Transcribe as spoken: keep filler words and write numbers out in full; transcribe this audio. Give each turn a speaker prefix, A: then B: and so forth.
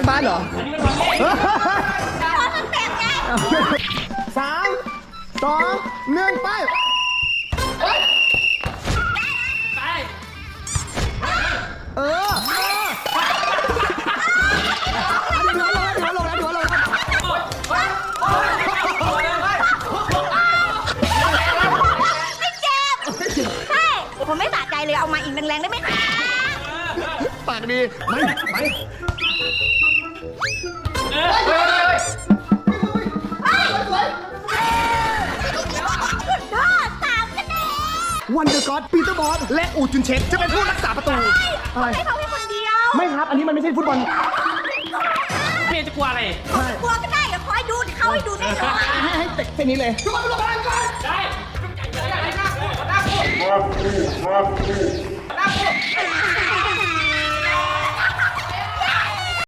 A: กบาสเหรออันนี้มันบอลเล่
B: ขอสเต็ปไง
A: สามสองหนึ่งไปเออถือว่าลงแล้วถือว่าลงแล้วถือว่าลงแล้ว
B: ไม่เจ็บใช่ผมไม่สะใจเลยเอามาอีกแรงๆได้ไหมคะ
A: ปากดีไม่ไปวันเดอร์ก็อดปีเตอร์บอสและอูจุนเชคจะเป็นผู้รักษาประตู
B: อะไรให้เขาแค่คนเดียว
A: ไม่ครับอันนี้มันไม่ใช่ฟุตบอล
C: พี่จะกลัวอะไร
B: กลัวก็ได้เดี๋ยวคอยดูเขาให้ดูแน่นอน
A: ให้ให้เตะเส้นนี้เลยทุกคนลงมาก่อน
C: ได้ได้ได้ได้ได้